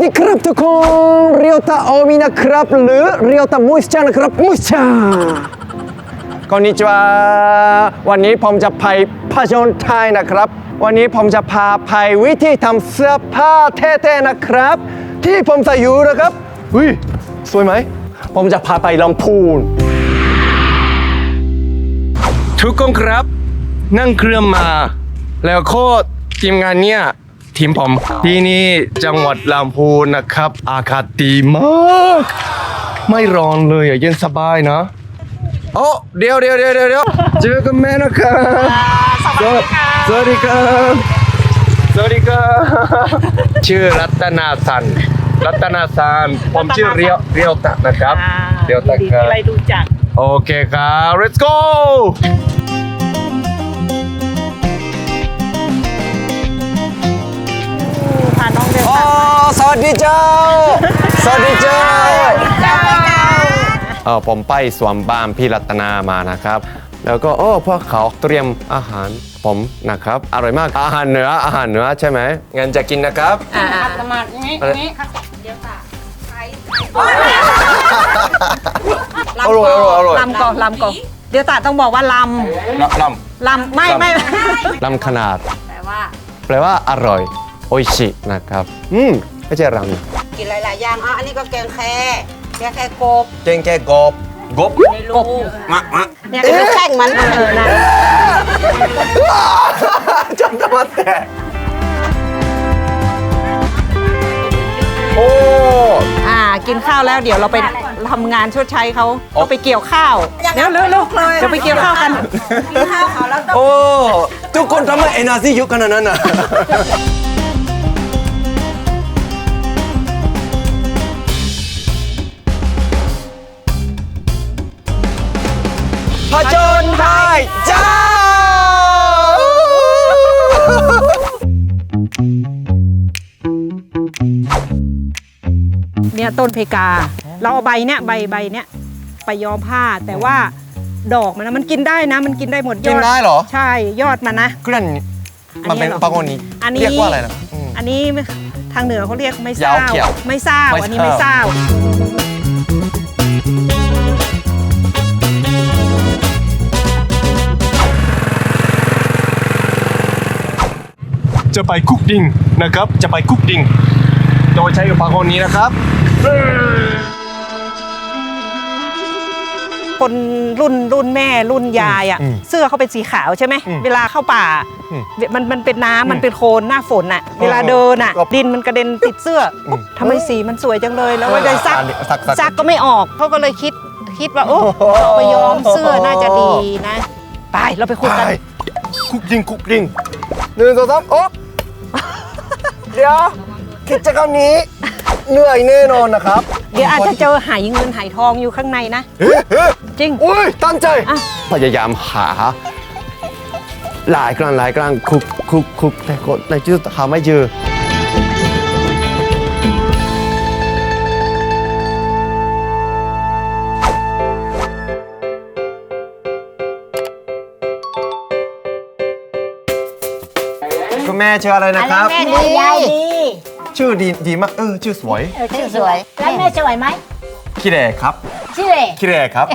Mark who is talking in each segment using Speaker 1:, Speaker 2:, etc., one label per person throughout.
Speaker 1: ดีครับทุกคนเรียวตาโอมินะครับหรือเรียวตามุสชานะครับมุสชาこんにちはวันนี้ผมจะไปผจญไทยนะครับวันนี้ผมจะพาไปวิธีทำเสื้อผ้าเท่ๆนะครับที่ผมใส่อยู่นะครับอุ้ยสวยไหมผมจะพาไปลำพูนทุกคนครับนั่งเครื่องมาแล้วโคตรทีมงานเนี่ยทีมผมที่นี่จังหวัดลำพูนนะครับอากาศดีมากไม่ร้อนเลยเย็นสบายนะโอ้เดี๋ยวเจอกันแม่นะครับสวัสดีครับสวัสดีครับชื่อรัตนาสันผมชื่อเรียวตะนะครับเรียวตะครับอะไรดูจักโอเคครับ let's go
Speaker 2: พาน้องเดิน
Speaker 1: อ๋อสวัสดีเจ้าผมไปสวนบ้านพี่รัตนามานะครับแล้วก็พวกเขาเตรียมอาหารผมนะครับอร่อยมากอาหารเหนือใช่ไหมงั้นจะกินนะครับ
Speaker 2: สมัครนี้เดี๋ยวค่ะ
Speaker 1: อร่อย
Speaker 2: ลำก่อนเดี๋ยวตาต้องบอกว่าลำไม่
Speaker 1: ลำขนาดแปลว่าอร่อยโออิชินะครับไม่ใช่รำ
Speaker 3: กินหลายๆอย่างอันนี้ก็แกงแค่กบ
Speaker 1: แกงแค่กบ
Speaker 3: เนี่ยคือแข่งมัน
Speaker 2: นะ
Speaker 1: จำได้แต่
Speaker 2: กินข้าวแล้วเดี๋ยวเราไปทำงานชดใช้เขาไปเกี่ยวข้าวเร็วเลยจะไปเกี่ยวข้าวกัน
Speaker 3: กินข้าวเขาแล้วต้อง
Speaker 1: ทุกคนทำไมเอเนอร์จีเยอะขนาดนั้นน่ะผจญไทยจ้า
Speaker 2: เนี่ยต้นเพกาเราเอาใบเนี้ยใบเนี้ยไปย้อมผ้าแต่ว่าดอกมันกินได้นะมันกินได้หมดยอด
Speaker 1: กินได้เหรอ
Speaker 2: ใช่ยอดมันนะ
Speaker 1: เคลื่อนมันเป็นปากนี้เรียกว่าอะไรนะ
Speaker 2: อันนี้ทางเหนือเขาเรียกไม่เศร้าอันนี้ไม่เศร้า
Speaker 1: จะไปคุกดิ้งนะครับจะไปคุกดิ้งโดยใช้อุปกรณ์นี้นะครับ
Speaker 2: คนรุ่นแม่รุ่นยายอ่ะเสื้อเขาเป็นสีขาวใช่ไหมเวลาเข้าป่ามันเป็นน้ำมันเป็นโคลนหน้าฝนอ่ะเวลาเดินอ่ะดินมันกระเด็นติดเสื้อทำไมสีมันสวยจังเลยแล้วว่าได้ซักก็ไม่ออกเขาก็เลยคิดว่าเอาไปย้อมเสื้อน่าจะดีนะไปเราไปคุยกัน
Speaker 1: คุกดิ้ง1 2 3เดี๋ยวกิจกรรมนี้เหนื่อยแน่นอนนะครับ
Speaker 2: เดี๋ยวอาจจะเจอหายเงินหายทองอยู่ข้างในนะจริง
Speaker 1: อุ้ยตั้งใจพยายามหาหลายครั้งคุกแต่ก็ในที่สุดหาไม่เจอคุณแม่ชื่ออะไรนะครับ
Speaker 3: แม่ดียายดี
Speaker 1: ชื่อดีมากชื่อสวย
Speaker 3: ชื่อสวยแล้วแม่สวยไหม
Speaker 1: คิเรครับคิเรครับ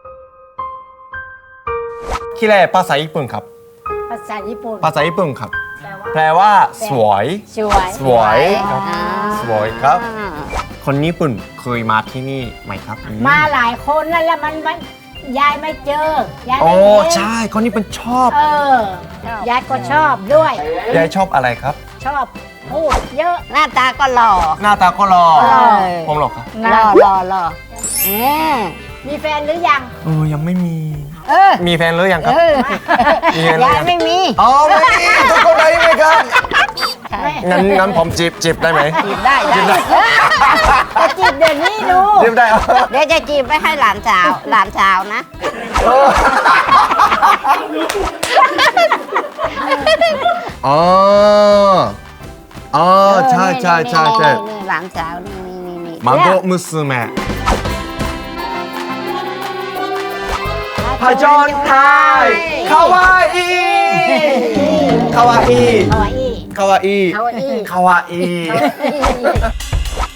Speaker 1: คิเรภาษาญี่ปุ่นครับ
Speaker 3: ภาษาญี่ปุ่
Speaker 1: นครับแปลว่าสวยครับคนญี่ปุ่นเคยมาที่นี่ไหมครับ
Speaker 3: มาหลายคนนั่นแหละมันยายไม่เจอยายไม่
Speaker 1: เห็นใช่คนนี้เป็นชอบ
Speaker 3: ยายก็ชอบด้วย
Speaker 1: ยายชอบอะไรครับ
Speaker 3: ชอบพูดเยอะหน้าตาก็หล่อ
Speaker 1: ผมหล่อครับ
Speaker 3: หล่อมีแฟนหรือยัง
Speaker 1: ยังไม่มีมีแฟนหรือยังครับ
Speaker 3: ยายไม่มี
Speaker 1: ไม่มีทุกคนได้ไหมครับงั้นผมจีบได้ไหม
Speaker 3: จีบได้จะจีบเดี๋ยวนี้ดู
Speaker 1: จีบได้
Speaker 3: เดี๋ยวจะจีบไปให้หลานสาวนะ
Speaker 1: ใช่
Speaker 3: หลานสาวนี่
Speaker 1: มังโกมุสเมะผจญไทยคาวาอิ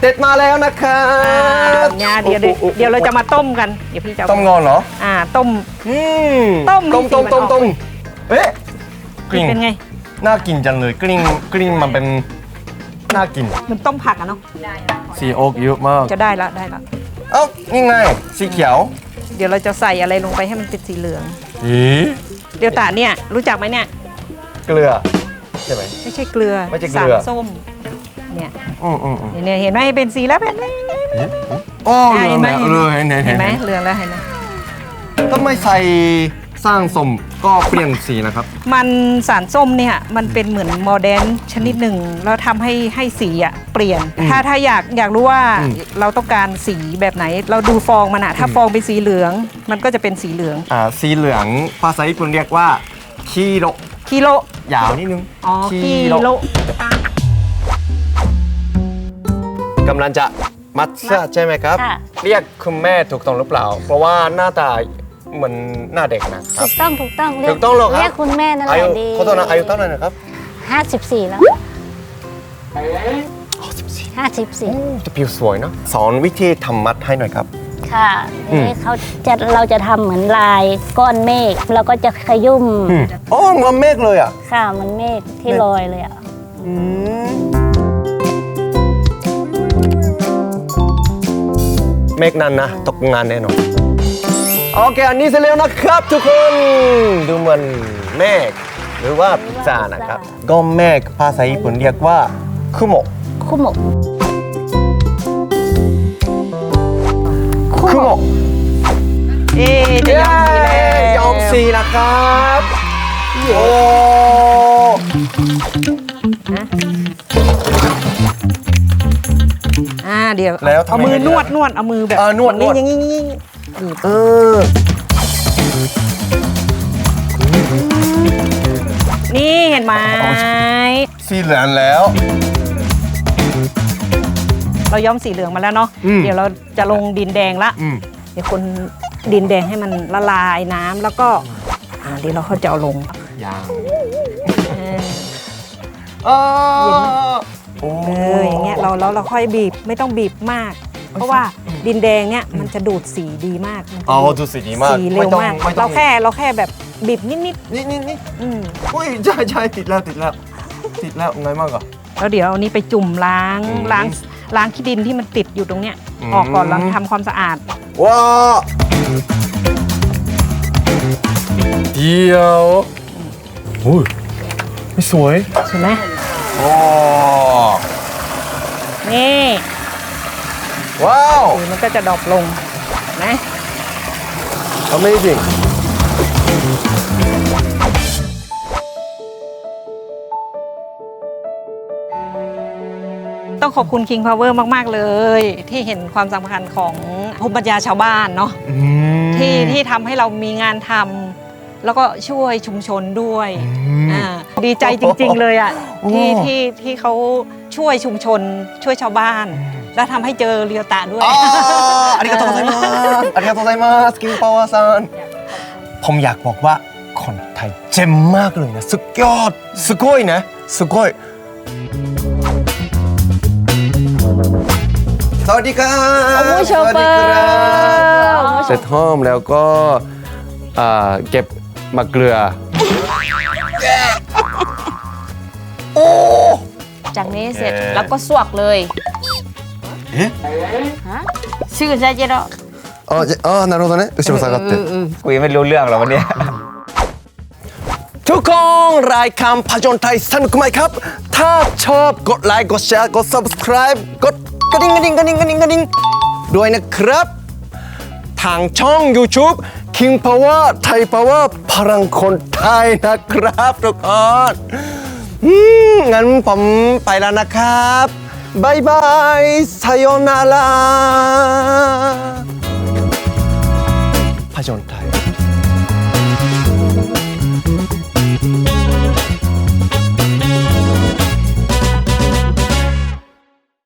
Speaker 1: เด็ดมาแล้วนะครับ
Speaker 2: เนี่ยเดี๋ยวเราจะมาต้มกันเดี๋ยวพี่จะ
Speaker 1: ต้มงอนเหรอ
Speaker 2: ต้ม
Speaker 1: ต้ม
Speaker 2: ให้สีมันออก
Speaker 1: ต้มเอ๊ะกลิ่น
Speaker 2: เป็นไง
Speaker 1: น่ากินจังเลยกลิ่นมันเป็นน่ากิน
Speaker 2: มันต้มผักอะเนาะ
Speaker 1: สีโอ๊กเยอะมาก
Speaker 2: จะได้ละได้ละ
Speaker 1: เอ้านี่ไงสีเขียว
Speaker 2: เดี๋ยวเราจะใส่อะไรลงไปให้มันเป็นสีเหลือง
Speaker 1: อี
Speaker 2: เดี๋ยวตาเนี่ยรู้จักไหมเนี่ย
Speaker 1: เกลือใช่ไหม
Speaker 2: ไม่ใช่เกลือ
Speaker 1: ไม่ใช่เกลือ
Speaker 2: สารส้มเนี่ย
Speaker 1: อืม
Speaker 2: เนี่ยเห็นไหมเป็นสีแล้วเป็นไหม
Speaker 1: โอ้
Speaker 2: เห็นไหม
Speaker 1: เลยเห็น
Speaker 2: เห็นไหมเหลืองแล้วเห็นไหม
Speaker 1: ก็ไม่ใส่สร้างสมก็เปลี่ยนสีนะครับ
Speaker 2: มันสารส้มเนี่ยมันเป็นเหมือนโมเดร์นชนิดหนึ่งแล้วทำให้สีอะเปลี่ยน ถ้าอยากรู้ว่าเราต้องการสีแบบไหน เราดูฟองมันอะถ้าฟองเป็นสีเหลือง มันก็จะเป็นสีเหลือง
Speaker 1: สีเหลืองภาษาญี่ปุ่นเรียกว่าคีโร
Speaker 2: กิโล
Speaker 1: ยาวนิดนึง
Speaker 2: อ๋อกิโล
Speaker 1: กำลังจะมัดเสื้อใช่ไหมครับ
Speaker 3: ค่ะ
Speaker 1: เรียกคุณแม่ถูกต้องหรือเปล่า เพราะว่าหน้าตาเหมือนหน้าเด็กนะครับ
Speaker 3: ถูกต้องถูกต้อง
Speaker 1: ถูกต้องเหรอครับ
Speaker 3: เรียกคุณแม่นั่นแห
Speaker 1: อายุ
Speaker 3: ละดี
Speaker 1: ขอโทษนะอายุเท่าไหร่นะครับ
Speaker 3: 54 แล้ว 54
Speaker 1: จะผิวสวยเนอะสอนวิธีทำมัดให้หน่อยครับ
Speaker 3: ค่ะ
Speaker 1: อืม
Speaker 3: นี่เราจะทำเหมือนลายก้อนเมฆเราก็จะขยุ่ม
Speaker 1: อ๋อเหมือนเมฆเลยอ่ะ
Speaker 3: ค่ะเหมันเมฆที่ลอยเลยอ่ะ
Speaker 1: เมฆนั้นนะตกงานแน่นอนโอเคอันนี้เสร็จแล้วนะครับทุกคนดูเหมือนเมฆหรือว่าพิซซ่านะครับก็เมฆภาษาญี่ปุ่นเรียกว่าคุโมะ
Speaker 3: คุโมะ
Speaker 1: คุโมะ
Speaker 2: จะยอมสีแล้ว
Speaker 1: ยอมสีนะครับโอ้
Speaker 2: เดี๋ยว
Speaker 1: แล้วทำ
Speaker 2: เอา
Speaker 1: ไ
Speaker 2: มือนวดเอามือแบบ
Speaker 1: นวด
Speaker 2: อย่างนี้ นี่เห็นไหม
Speaker 1: สีเหลืองแล้ว
Speaker 2: เราย้อมสีเหลืองมาแล้วเนาะ เดี๋ยวเราจะลงดินแดงละ เดี๋ยวคนดินแดงให้มันละลายน้ำแล้วก็เดี๋ยวเราเขาจะเอาลง
Speaker 1: ยาง
Speaker 2: เอออย่างเงี้ยเราค่อยบีบไม่ต้องบีบมาก เพราะว่าดินแดงเนี่ยมันจะดูดสีดีมากมันจะ
Speaker 1: อ๋อดูสีดีมาก
Speaker 2: สีเร็วมาก เราแค่แบบบีบนิด
Speaker 1: นี่
Speaker 2: อืม
Speaker 1: อุ้ยใช่ติดแล้วไงมากอ่ะ
Speaker 2: แล้วเดี๋ยวเอานี้ไปจุ่มล้างขี้ดินที่มันติดอยู่ตรงเนี้ยออกก่อนแล้วทำความสะอาด
Speaker 1: ว้าเดียวอุ้ยไม่สวย
Speaker 2: ใช่ไหม
Speaker 1: โอ้
Speaker 2: นี่
Speaker 1: ว้าว
Speaker 2: สีมันก็จะดรอปลงนะ
Speaker 1: Amazing
Speaker 2: ต้องขอบคุณ King Power มาก ๆ เลย ที่เห็นความสำคัญของภูมิปัญญาชาวบ้านเนาะที่ทำให้เรามีงานทำแล้วก็ช่วยชุมชนด้วยดีใจจริง ๆ เลยอ่ะที่เขาช่วยชุมชนช่วยชาวบ้าน แล้วทำให้เจอเรียวตะด้วย
Speaker 1: ありがとうございますありがとうございますキングパワーさんผมอยากบอกว่าคนไทยเจ๋งมากเลยนะสุดยอดすごいนะすごいสวัสดีครับ
Speaker 3: โอ้ยโชเฟอร์
Speaker 1: เสร็จห้อมแล้วก็เก็บมะเกลือโอ้
Speaker 4: จากนี้เสร็จแล้วก็สวกเลย
Speaker 1: เอ๊ะ
Speaker 4: ชื่อใช่เจ๊เนาะ
Speaker 1: なるほどね後ろ下がって
Speaker 5: คุยไม่รู้เรื่องหรอกวันนี้
Speaker 1: ทุกคนรายการผจญไทยสนุกไหมครับ ถ้าชอบกดไลค์กดแชร์กด subscribe กดกระดิ่งด้วยนะครับ ทางช่อง YouTube King Power Thai Power พลังคนไทยนะครับทุกคนงั้นผมไปแล้วนะครับบายบายさよならผจญไทย